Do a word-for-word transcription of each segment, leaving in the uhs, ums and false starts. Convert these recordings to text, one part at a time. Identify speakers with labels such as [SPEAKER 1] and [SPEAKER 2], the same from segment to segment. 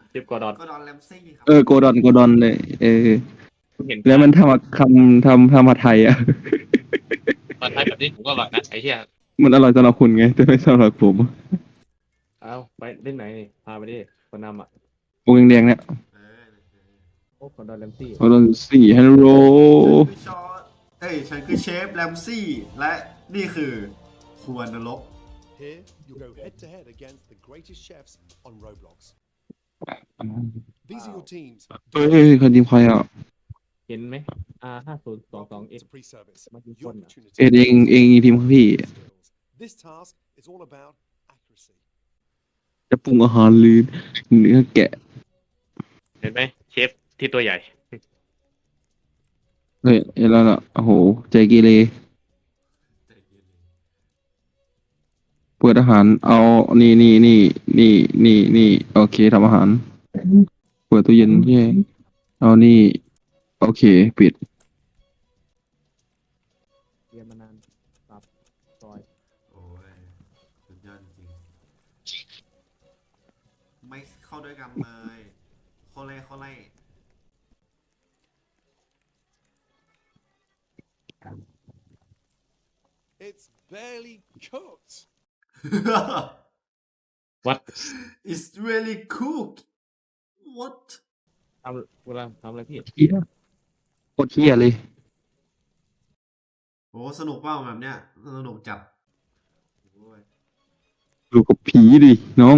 [SPEAKER 1] เจ็บกอร์ดอน
[SPEAKER 2] ก็ดอนแรมซี่ครับ
[SPEAKER 3] เออโกดอนโกดอนเลยเออ
[SPEAKER 1] เห็น
[SPEAKER 3] แล้วมันทำคำทำทำมาไทยอ่ะ
[SPEAKER 1] ตอนท้ายแบบนี้ผมก็อร่อยนะไอ้เหี้ย
[SPEAKER 3] มันอร่อยสำหรับคุณไงแต่ไม่สำหรับผม
[SPEAKER 1] เอาไปเล่นไหนนี่พาไปดิคนนำอ่ะ
[SPEAKER 3] วงแดงๆเนี่ย
[SPEAKER 2] เออ
[SPEAKER 1] โอ้กอร์ดอนแรมซี่
[SPEAKER 3] โกดอนสี่ฮัลโหล
[SPEAKER 2] ฉันคือชอตเอ้ยฉันคือเชฟแรมซี่และนี่คือครัวนรก
[SPEAKER 4] Here, you go head to head against the greatest chefs on Roblox. These are your teams.
[SPEAKER 3] เฮ้ยคนทีมใครอ่ะ
[SPEAKER 1] เห็นไหมอาห้าศูนย์สองสอง
[SPEAKER 4] Welcome
[SPEAKER 1] เอ็ก
[SPEAKER 4] to pre-service.
[SPEAKER 1] Must be
[SPEAKER 4] Your
[SPEAKER 1] fun.
[SPEAKER 4] opportunity
[SPEAKER 3] เอ็ดเองเองทีมพี่
[SPEAKER 4] skills. This task is all about accuracy.
[SPEAKER 3] จะปรุงอาหารหรือเนื้อแกะ
[SPEAKER 1] เห็นไหมเชฟที่ตัวใหญ่
[SPEAKER 3] เฮ้ยเห็นแล้วล่ะโอ้โหใจเกเรเปิดอาหารเอานี่นี่นี่นี่นี่นี่โอเคทำอาหาร เปิดตู้เย็นที่เอานี่โอเคปิด
[SPEAKER 1] เรียนมานานปรับซอย
[SPEAKER 2] โอ้ยสุดยอดจริงไม่เข้าด้วยกันเลยโคเล่โคเล่
[SPEAKER 4] It's barely cooked.
[SPEAKER 1] What
[SPEAKER 2] It's really cooked What
[SPEAKER 1] ทำเวลาทำอะไรพี่
[SPEAKER 3] เฮียโคตรเฮียเลย
[SPEAKER 2] โอ้สนุกเปล่าแบบเนี้ยสนุกจัดโอ้ย
[SPEAKER 3] ดูกับผีดิน้อง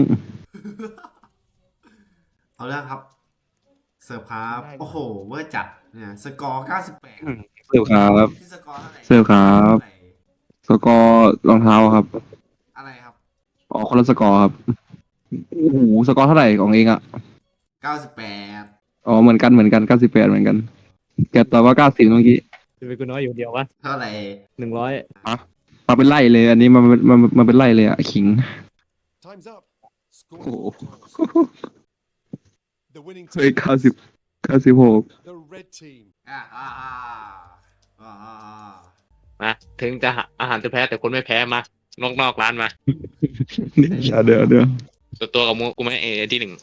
[SPEAKER 2] เอาเรื่องครับ เสิร์ฟครับโอ้โหเวอร์จัดเนี่ยสกอร์เก้าสิบแปด
[SPEAKER 3] เสิร์ฟครับ
[SPEAKER 2] ที่สกอร์เท่าไหร่
[SPEAKER 3] เสิร์ฟครับสกอร์รองเท้าครับ
[SPEAKER 2] อะไรครับ
[SPEAKER 3] อ๋อคนละสกอร์ครับโอ้โหสกอร์เท่าไหร่ของเองอ่ะ
[SPEAKER 2] เก้าสิบแปด
[SPEAKER 3] อ๋อเหมือนกันเหมือนกันเก้าสิบแปดเหมือนกันแกตอบว่าเก้าสิบเมื่อกี้
[SPEAKER 1] จะเป็นกูน้อยอยู่เดียววะ
[SPEAKER 2] เท่าไหร่
[SPEAKER 1] หนึ่งร้อย
[SPEAKER 3] มาเป็นไล่เลยอันนี้มามามาเป็นไล่เลยอ่ะขิง
[SPEAKER 4] Time's up. Score
[SPEAKER 3] Oh.
[SPEAKER 4] your toss. The winning
[SPEAKER 3] เฮ้ย
[SPEAKER 4] team
[SPEAKER 3] เก้าสิบ
[SPEAKER 4] is
[SPEAKER 3] เก้าสิบหก
[SPEAKER 4] the red team.
[SPEAKER 2] อ่าอ่าอ่าอ่าอ่า
[SPEAKER 1] มาถึงจะหาอาหารจะแพ้แต่คนไม่แพ้มานอกนอกร้านมา
[SPEAKER 3] เดี๋ยวเดี๋ยวเดี๋ยว
[SPEAKER 1] ตัวตัวกับมูกูไม่เอที่หนึ่ง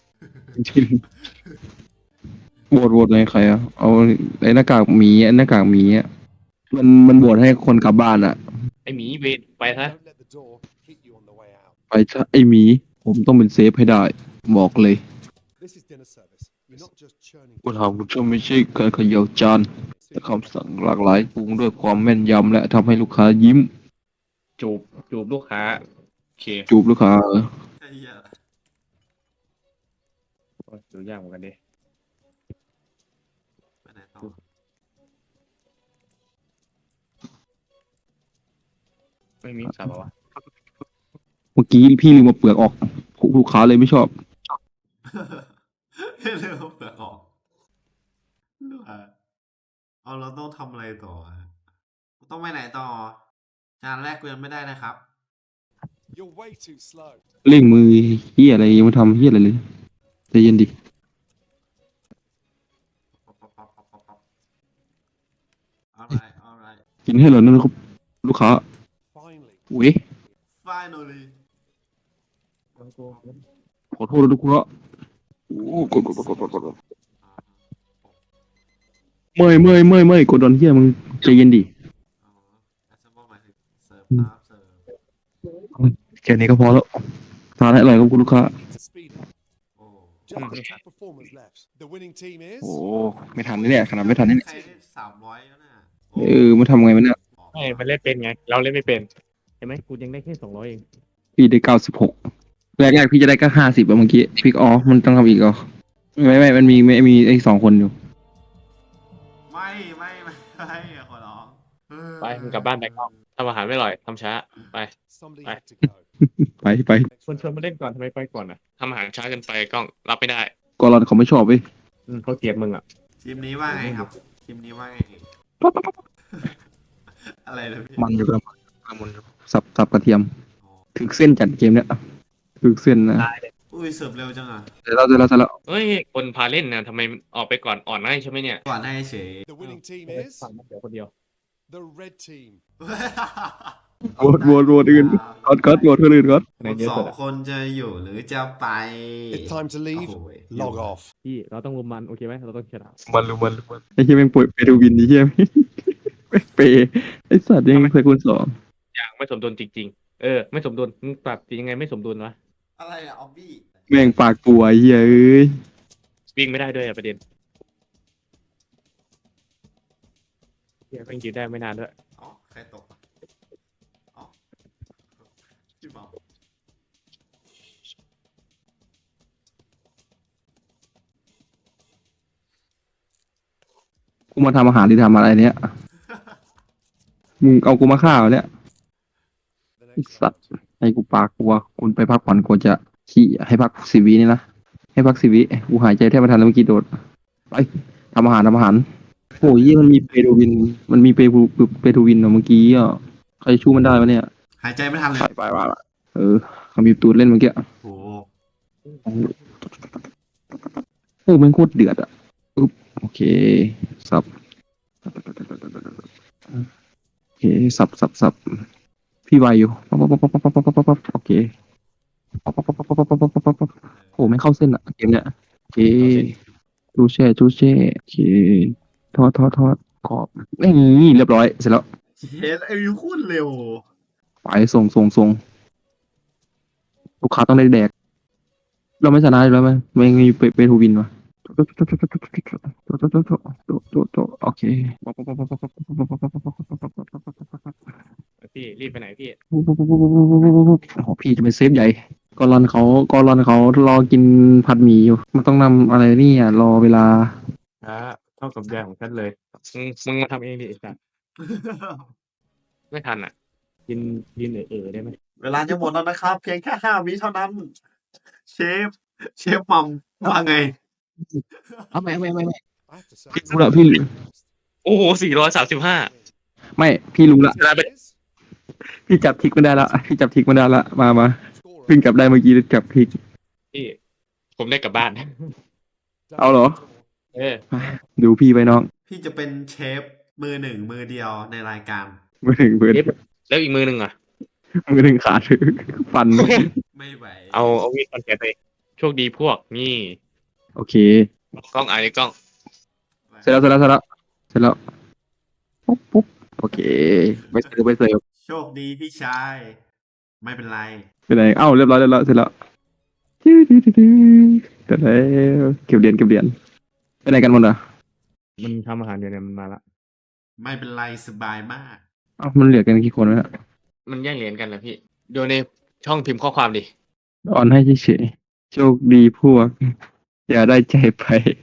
[SPEAKER 3] โหวตโหวตเลยใครอ่ะเอาไอ้หน้ากากหมีไอ้หน้ากากหมีอ่ะมันมันโหวตให้คนกลับบ้านอ่ะ
[SPEAKER 1] ไอหมีเวทไปซะ
[SPEAKER 4] Don't let the door hit you on the way out.
[SPEAKER 3] ไปซะไอ้หมี ผมต้องเป็นเซฟให้ได้ บอกเลย
[SPEAKER 4] This is dinner service. You're not just churning.
[SPEAKER 3] ปัญหาคุณจะไม่ใช่การเขย่าจานแต่คำสั่งหลากหลายปรุงด้วยความแม่นยำและทำให้ลูกค้ายิ้ม
[SPEAKER 1] จูบจูบลูกค้าโอเค
[SPEAKER 3] จูบลูกค้าเออ
[SPEAKER 2] ไอ้เหี้ย
[SPEAKER 1] โอ้ยดูยากเหมือนกันดิ
[SPEAKER 2] ไปไหนต่อ
[SPEAKER 1] ไม่มีสาบวะ
[SPEAKER 3] เมื่อกี้พี่ลืมมาเปลือกออกลูกค้าเลยไม่ชอบ
[SPEAKER 2] เร็วเปลือกออกอ่ะเอาเราต้องทำอะไรต่อฮะต้องไปไหนต่องานแรกกูยังไม่ได้นะครับ
[SPEAKER 4] You're way too slow.
[SPEAKER 3] เร่งมือเฮียอะไรยังไม่ทำเฮียอะไรเลยใจเย็นดิ
[SPEAKER 2] ป๊อปป๊อปป๊อปป๊อปป๊อปป๊อป alright alright
[SPEAKER 3] กินให้เหรอนั่นครับลูกค้า
[SPEAKER 4] Finally.
[SPEAKER 3] เว้ย
[SPEAKER 2] finally
[SPEAKER 3] ขอโทษนะทุกคนละโอ้กดกดกดกดกดกด
[SPEAKER 2] อ่า
[SPEAKER 3] เมื่อยเมื่อยเมื่อยเมื่อยกดดอนเฮียมึงใจเย็นดิ
[SPEAKER 2] อ๋อแอสเซมเบิลหมายถึงเสิร์ฟครับเสิร์ฟ
[SPEAKER 3] แค่นี้ก็พอแล้วทานให้อร่อยครับคุณลูกค้า
[SPEAKER 4] Need to speed up.
[SPEAKER 2] โอ้
[SPEAKER 4] Just the top performers left. The winning team is.
[SPEAKER 3] โอ้ไม่ทันเนี่ยขนาดไม่ทันเนี่ย
[SPEAKER 2] ใครได้สามร้อยแล้วน่ะ
[SPEAKER 3] เออมาทำไงมันเนี่ย
[SPEAKER 1] ไม่มันเล่นเป็นไง เราเล่นไม่เป็นเห็นไหมกูยังได้แค่สองร้อยเอง
[SPEAKER 3] พี่ได้เก้าสิบหกแรกแรกพี่จะได้ก็ห้าสิบอะเมื่อกี้พี่อ๋อมันต้องทำอีกเหรอไม่ไม่มันมีไม่มีไอ้สองคนอยู่
[SPEAKER 2] ไม่ไม่ไม่ไม่ขอร้องเออ
[SPEAKER 1] ไปมึงกลับบ้านไปก่อนทำอาหารไม่อร่อยทำช้าไป
[SPEAKER 4] Somebody
[SPEAKER 1] Bye.
[SPEAKER 4] had to go.
[SPEAKER 3] ไปไป
[SPEAKER 1] ชวนชวนมาเล่นก่อนทำไมไปก่อนอ่ะทำอาหารช้าเกินไปกล้องรับไม่ได้
[SPEAKER 3] กอรอนเขาไม่ชอบเว้ย
[SPEAKER 1] อืมเขาเกลียดมึงอ่ะ
[SPEAKER 2] ทีมนี้ว่าไงครับ ทีมนี้ว่าไง อะไรนะพี่
[SPEAKER 3] มันอยู่กับมันสับสับกระเทียม
[SPEAKER 2] อ๋อ
[SPEAKER 3] ถึกเส้นจัดเกมเนี้ยถึกเส้นนะ
[SPEAKER 1] ได้เลย
[SPEAKER 2] อุ้ยเสิร์ฟเร็วจังอ่ะ
[SPEAKER 3] เดี๋ยวเราเดี๋ยวเราเสร็จแล้ว
[SPEAKER 1] เฮ้ยคนพาเล่นนะทำไมออกไปก่อนอ่อนให้ใช่ไหมเนี่ย
[SPEAKER 2] ก่อนให้เฉย
[SPEAKER 4] The winning team is
[SPEAKER 1] สั่งมาเดี๋ยวคนเดียว
[SPEAKER 4] the red team.
[SPEAKER 3] โหวตโหวตโหวตอื่นก๊อตก๊อตโหวตคนอื่นก๊อต
[SPEAKER 2] คุณสองคนจะอยู่หรือจะไป
[SPEAKER 4] It's time to leave.
[SPEAKER 2] โอ้โห
[SPEAKER 4] Log off.
[SPEAKER 1] พี่เราต้องรุมมันโอเคไหมเราต้องชนะ
[SPEAKER 3] มันรู้มันรู้มันไอ้เหี้ยแม่งป่วยเปรูวินไอ้เหี้ยแม่งเปย์ไอ้สัตว์ยังสกุลสอง
[SPEAKER 1] อย่างไม่สมดุลจริงๆเออไม่สมดุลมึงปรับยังไงไม่สมดุลวะ
[SPEAKER 2] อะไรอะออบบี้
[SPEAKER 3] แม่งปากปัวไอ้เหี้ยเอ้ย
[SPEAKER 1] วิ่งไม่ได้ด้วยอะประเด็นเฮียแม่งยืนได้ไม่นานด้วย
[SPEAKER 2] อ๋อใครตกอะอ๋อพี่เมา
[SPEAKER 3] กูมาทำอาหารหรือทำอะไรเนี้ยมึงเอากูมาฆ่าเหรอเนี่ย
[SPEAKER 4] The
[SPEAKER 3] ไอ้
[SPEAKER 4] next
[SPEAKER 3] สัตว์
[SPEAKER 4] round.
[SPEAKER 3] ให้กูปากกลัวคุณไปพักผ่อนกูจะขี้ให้พักสิบวินี่นะให้พักสิบวิกูหายใจแทบไม่ทันแล้วเมื่อกี้โดดไปทำอาหารทำอาหารโอ้ยเหี้ยมันมีเปรูวิน มันมีเปรูเปรูวินเหรอเมื่อกี้อ่ะใครชู้มันได้วะเนี่ย
[SPEAKER 2] หายใจไม่ทันเลย
[SPEAKER 3] ไปไปไปไปเออเขามีตูดเล่นเมื่อกี้
[SPEAKER 2] โอ้โห
[SPEAKER 3] โอ้โหแมันโคตรเดือดอ่ะอึ๊บโอเคสับโอเคสับสับสับพี่ไวอยู่ปั๊บปั๊บปั๊บปั๊บปั๊บปั๊บปั๊บโอเคปั๊บปั๊บปั๊บปั๊บปั๊บปั๊บปั๊บปั๊บโอ้ไม่เข้าเส้นอ่ะเกมเนี้ยโอเคจูเช่จูเช่โอเคทอดทอดทอดกรอบนี่เรียบร้อยเสร็จแล้ว
[SPEAKER 2] เฮ้ยไอ้ยูโคตรเร็ว
[SPEAKER 3] ไปส่งส่งส่งลูกค้าต้องได้แดก เราไม่ชนะอยู่แล้วไหมไม่มีเปเปทูวินวะโอเค
[SPEAKER 1] พี่รีบไปไหนพี่
[SPEAKER 3] โอ้โหพี่จะเป็นเซฟใหญ่กอรอนเขากอรอนเขารอกินผัดหมี่อยู่ มันต้องนำอะไรนี่อ่ะรอเวลา
[SPEAKER 1] อ่าเท่ากับยายของฉันเลยมึงมึงมาทำเองดิไอ้สัสไม่ทันอ่ะกินกินเออเออได้ไหม
[SPEAKER 2] เวลาจะหมดแล้วนะครับ เพียงแค่ห้าวิเท่านั้น เชฟ เชฟมัมว่าไง
[SPEAKER 3] เอาไม่ไม่ไม่ไม่
[SPEAKER 4] I have to say,
[SPEAKER 3] พี่รู้ละพี่
[SPEAKER 1] โอ้โหสี่ร้อยสามสิบห้า
[SPEAKER 3] ไม่พี่รู้ละ
[SPEAKER 1] ชนะไป
[SPEAKER 3] พี่จับทิกไม่ได้ละพี่จับทิกไม่ได้ละมามา
[SPEAKER 4] scorer.
[SPEAKER 3] เพิ่งจับได้เมื่อกี้จับทิก
[SPEAKER 1] พี่ผมได้กลับบ้าน
[SPEAKER 3] เอาเหรอ
[SPEAKER 1] เออ
[SPEAKER 3] ดูพี่ไปน้อง
[SPEAKER 2] พี่จะเป็นเชฟมือหนึ่งมือเดียวในรายการ
[SPEAKER 3] มือหนึ่งมือ
[SPEAKER 1] เอฟแล้วอีกมือหนึ่งอ่ะ
[SPEAKER 3] มือหนึ่งขาดฟัน
[SPEAKER 2] ไม่ไหว
[SPEAKER 1] เอาเอาวีดคอนแกไปโชคดีพวกนี่
[SPEAKER 3] โอเค
[SPEAKER 1] กล้องไอ้กล้อง
[SPEAKER 3] เสร็จแล้วเสร็จแล้วเสร็จแล้วเสร็จแล้วปุ๊บปุ๊บโอเคไปเสิร์ฟไปเสิร์ฟ
[SPEAKER 2] โชคดีพี่ชาย ไม่เป็นไร
[SPEAKER 3] ไปไหนเอ้าเรียบร้อยเรียบร้อยเสร็จแล้วเสร็จแล้วเก็บเหรียญเก็บเหรียญไปไหนกันหมดอ่ะ
[SPEAKER 1] มันทำอาหารอยู่เนี่ยมันมาละ
[SPEAKER 2] ไม่เป็นไรสบายมาก
[SPEAKER 3] เอ้ามันเหลือกันกี่คนวะเนี่ย
[SPEAKER 1] มันแย่งเหรียญกันแล้วพี่โยนในช่องพิมพ์ข้อความดิ
[SPEAKER 3] ออนให้เฉยๆโชคดีพวก อย่าได้ใจไป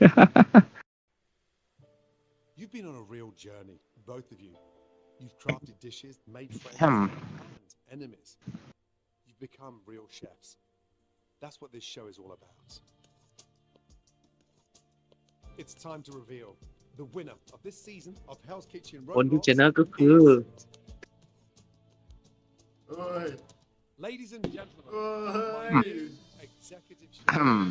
[SPEAKER 4] You've been on a real journey, both of you. You've crafted dishes, made friends,
[SPEAKER 3] Hmm.
[SPEAKER 4] and enemies. You've become real chefs. That's what this show is all about. It's time to reveal the winner of this season of Hell's Kitchen
[SPEAKER 1] คนที่
[SPEAKER 4] Robots
[SPEAKER 1] ชนะก็คือ
[SPEAKER 4] is-
[SPEAKER 2] เอ้ย
[SPEAKER 4] Ladies and gentlemen,
[SPEAKER 2] เอ้
[SPEAKER 4] my
[SPEAKER 2] ย
[SPEAKER 4] new executive chef.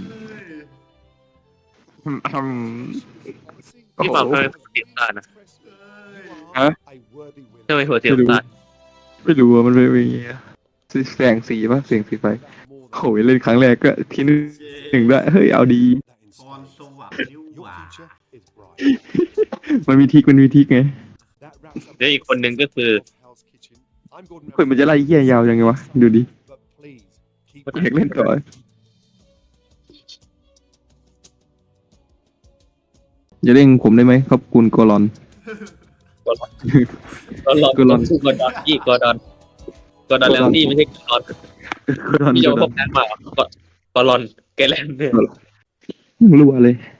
[SPEAKER 1] พี่เปล่าเคยติดตานะ
[SPEAKER 4] You are a worthy
[SPEAKER 1] ทำไม
[SPEAKER 4] winner.
[SPEAKER 1] หัวเสียน้ำตาล
[SPEAKER 3] ไม่รู้ว่ามันเป็นอย่างเงี้ยแสงสีป่ะเสียงสีไฟ
[SPEAKER 4] More
[SPEAKER 3] โอ้ยเล่นครั้งแรกก็ที่หนึ่งหนึ่งด้วยเฮ้ยเอาดี
[SPEAKER 4] than that
[SPEAKER 2] พร
[SPEAKER 4] inspired.
[SPEAKER 2] สวรรค์นิ้ว
[SPEAKER 4] Your
[SPEAKER 2] หว่า
[SPEAKER 4] future is bright.
[SPEAKER 3] มันมีทิกมันมีทิกไง
[SPEAKER 4] That wraps up
[SPEAKER 1] แล้วอีกคนหนึ่งก็คือ
[SPEAKER 4] Hell's Kitchen. I'm Gordon
[SPEAKER 3] เฮ้ยมันจะไล่เหี้ยยาวยังไงวะดูดิ
[SPEAKER 4] But please keep
[SPEAKER 3] อยากเล่นต่ออย่าเร่งผมได้ไหมครับคุณโกลอน
[SPEAKER 1] กอดอน
[SPEAKER 3] กอดอน
[SPEAKER 1] กอดอนพี่กอดอนกอดอนแล้วพี่ไม่ใช่กอดอน
[SPEAKER 3] โกลอน
[SPEAKER 1] พี่
[SPEAKER 3] โก
[SPEAKER 1] จะเอา
[SPEAKER 3] ล
[SPEAKER 1] พ
[SPEAKER 3] อ
[SPEAKER 1] วน กนั้นมากอดอนแกแลนด์เนี่ย
[SPEAKER 3] รัวเลย